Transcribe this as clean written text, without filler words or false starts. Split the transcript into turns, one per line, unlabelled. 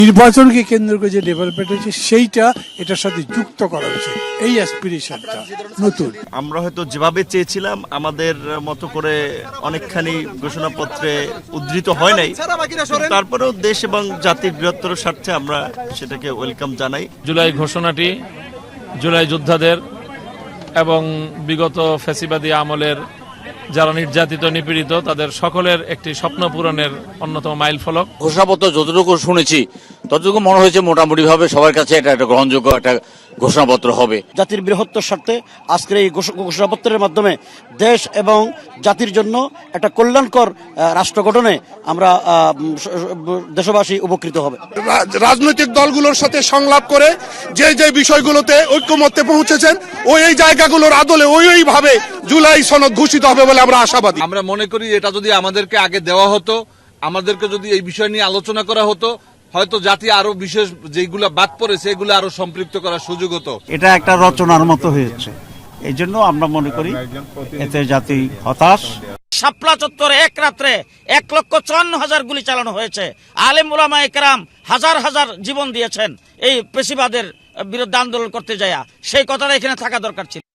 নির্বাচনকে কেন্দ্র করে যে ডেভেলপমেন্ট হয়েছে সেইটা এটার সাথে যুক্ত করা হয়েছে, এই অ্যাসপিরেশনটা নতুন।
আমরা হয়তো যেভাবে চেয়েছিলাম আমাদের মতো করে অনেকখানি ঘোষণাপত্রে উদ্ধৃত হয় নাই, তারপরেও দেশ এবং জাতির বৃহত্তর স্বার্থে আমরা সেটাকে ওয়েলকাম জানাই।
জুলাই ঘোষণাটি জুলাই যোদ্ধাদের এবং বিগত ফ্যাসিবাদী আমলের যারা নির্যাতিত নিপীড়িত তাদের সকলের একটি স্বপ্ন পূরণের অন্যতম মাইল ফলক।
ঘোষণাপত্র যতটুকু শুনেছি ততটুকু মনে হয়েছে মোটামুটি ভাবে সবার কাছে এটা একটা গ্রহণযোগ্য একটা ঘোষণাপত্র হবে।
জাতির বৃহত্তর স্বার্থে আজকের এই ঘোষণাপত্রের মাধ্যমে দেশ এবং জাতির জন্য একটা কল্যাণকর রাষ্ট্র গঠনে আমরা দেশবাসী উপকৃত হবে।
রাজনৈতিক দলগুলোর সাথে সংলাপ করে যে যে বিষয়গুলোতে ঐক্যমত্যে পৌঁছেছেন ওই জায়গাগুলোর আদলে ওইভাবে জুলাই সনদ ঘোষিত হবে বলে আমরা আশাবাদী।
আমরা মনে করি এটা যদি আমাদেরকে আগে দেওয়া হতো, আমাদেরকে যদি এই বিষয় নিয়ে আলোচনা করা হতো, হয়তো জাতি আরো বিশেষ যেগুলো বাদ পড়েছে এগুলো আরো সম্পৃক্ত করার সুযোগ হতো।
এটা একটা রচনার মতো হয়েছে, এই জন্য আমরা মনে করি এতে জাতি হতাশ।
শাপলা চত্বরে এক রাত্রে 1,54,000 গুলি চালানো হয়েছে। আলেম ওলামায়ে কেরাম হাজার হাজার জীবন দিয়েছেন এই পেশিবাদের বিরুদ্ধে আন্দোলন করতে যায়। সেই কথাটা এখানে থাকা দরকার ছিল।